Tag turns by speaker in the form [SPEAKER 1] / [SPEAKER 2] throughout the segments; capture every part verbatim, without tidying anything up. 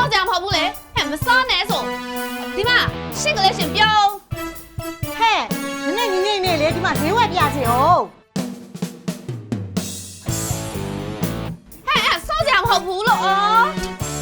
[SPEAKER 1] ကြမဟုတ်ဘူးလေဟဲ့မစောနဲ့ဆိုဒီမှာရှင့်ကလေးရှင်ပြောဟဲ့နည်းနည်းနေနေလေဒီမှာဈေးဝယ်ပြစီအောင်ဟဲ့စောကြမဟုတ်ဘူးလို့အော်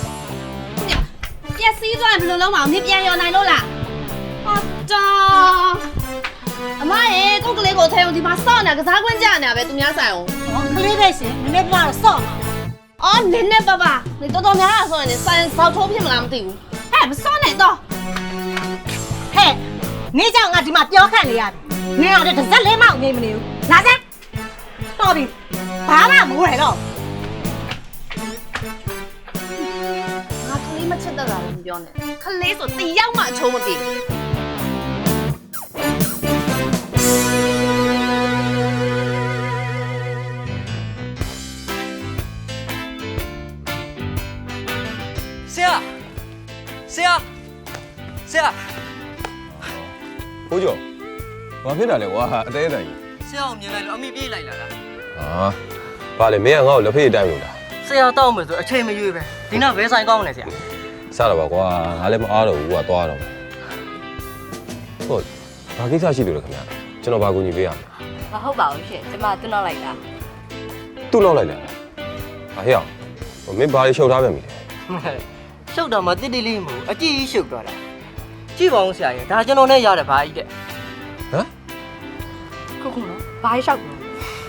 [SPEAKER 1] ပြက်စီးသွားရင်ဘယ်လိုလုံးမအောင်မြပြန်ရောနိုင်လို့လားဟာတာအမရေကိုကလေးကိုထဲအောင်ဒီမှာစော့နေတာကစားခွင့်ကြနေတာပဲသူများဆိုင်အောင်ဟောကလေးပဲရှင်နည်းနည်းပြတော့စော့မှာအော်နည်းနည်းပါပါ你တော်တော်များများဆိုရင်ဆိုင်ဆောက်ထိုးဖြစ်မလားမသိဘူးဟဲ့မစော့နဲ့တော့ဟဲ့နေကြောင်ငါဒီမှာပြောခန့်နေရတယ်နေရတဲ့တစ်စက်လေးမှနေမနေဘူးလာစမ်းတော်ပြီဘာမှမဝယ်တော့ငါကလေးမချစ်တတ်တာလည်းမပြောနဲ့ကလေးဆိုတယောက်မှအချိုးမပြေဘူး
[SPEAKER 2] ဆရာဆရာဆရာ
[SPEAKER 3] ဘိုးကျော်ဘာဖြစ်တာလဲကွာအသေးအတန်ကြီး
[SPEAKER 2] ဆရာကိုမြင်လိုက်လို့အမိပြေးလိုက်လာတာ
[SPEAKER 3] ဟာဘာလဲမင်းကငါ့ကိုလက်ဖေးတိုင်းလို့လား
[SPEAKER 2] ဆရာတောက်မယ်ဆိုအချိန်မရွေးပဲဒီနောက်ဘဲဆိုင်ကောင်းမလဲဆရာ
[SPEAKER 3] စတော့ပါကွာငါလည်းမအားတော့ဘူးကွာသွားတော့ဟုတ်ဘာကိစ္စရှိလို့လဲခင်ဗျာကျွန်တော်ဘာကူညီပေးရမလဲ
[SPEAKER 4] မဟုတ်ပါဘူးရှင်ကျမတွန်းတော့လိုက်တာ
[SPEAKER 3] သူ့လောက်လိုက်လားဟာဟဲ့အောင်မင်းဘာလေးရှုပ်ထားပြန်ပြီလဲ
[SPEAKER 2] ရှုပ်တော့မတိတိလေးမဟုတ်အကြည့်ကြီးရှုပ်သွားတာကြည့်ပါဦးဆရာကြီးဒါကျွန်တော်နဲ့ရတယ်ဘာကြီးတဲ့
[SPEAKER 3] ဟမ်
[SPEAKER 4] ခုခုနော်ဘာလျှောက်လို့
[SPEAKER 3] ဟဲ့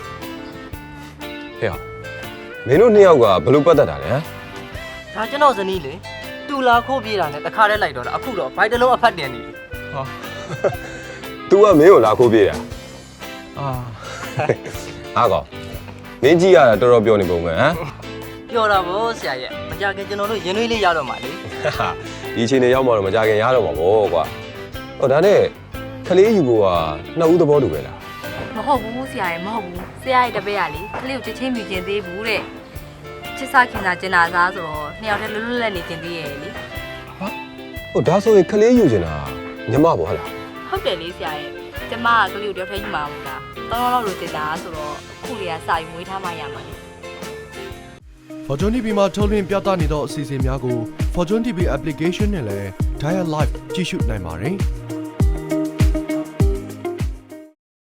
[SPEAKER 3] အောင်မင်းတို့နှစ်ယောက်ကဘယ်လိုပတ်သက်တာလဲဟမ်
[SPEAKER 2] ဒါကျွန်တော်ဇနီးလေတူလာခိုးပြေးတာနဲ့တခါတည်းလိုက်တော့တာအခုတော့ဘိုက်တလုံးအဖတ်တင်နေပြီ
[SPEAKER 3] ဟာ तू ကမင်းကိုလာခိုးပြေးတာအာအားကောမင်းကြီးရတာတော်တော်ပြောနေပုံပဲဟမ်
[SPEAKER 2] ပြောတာဗောဆရာရဲ့မကြခင်ကျွန်တော်တို့ရင်သွေးလေးရတော့မှာလေ
[SPEAKER 3] ဒီအချိန်နေရောက်မှတော့မကြခင်ရတော့မှာဗောကွာဟောဒါနဲ့ခလေးယူကိုကနှစ်ဦးသဘောတူပဲလား
[SPEAKER 4] မဟုတ်ဘူးဆရာရဲ့မဟုတ်ဘူးဆရာရဲ့တပည့်ကလေကလေးကိုချက်ချင်းမြင်ကျင်သေးဘူးတဲ့ချစ်စားခင်တာကျင်တာစားဆိုတော့နှစ်ယောက်တည်းလွတ်လွတ်လပ်နေကျင်သေးရဲ့လေ
[SPEAKER 3] ဟာဟိုဒါဆိုရင်ခလေးယူကျင်တာညီမပေါ့ဟလား
[SPEAKER 4] ဟုတ်တယ်လေဆရာရဲ့ကျမကကလေးကိုတယောက်တည်းယူမှာမဟုတ်လားတောင်းတော့လို့တင်တာဆိုတော့အခုလေးကစာယူမွေးထားမှရမှာလေ
[SPEAKER 5] Fortune တီ ဗီ မှာထုတ်လွှင့်ပြသနေသောအစီအစဉ်များကို Fortune တီ ဗီ application နဲ့လည်း Dial Live ကြည့်ရှုနိုင်ပါတယ်။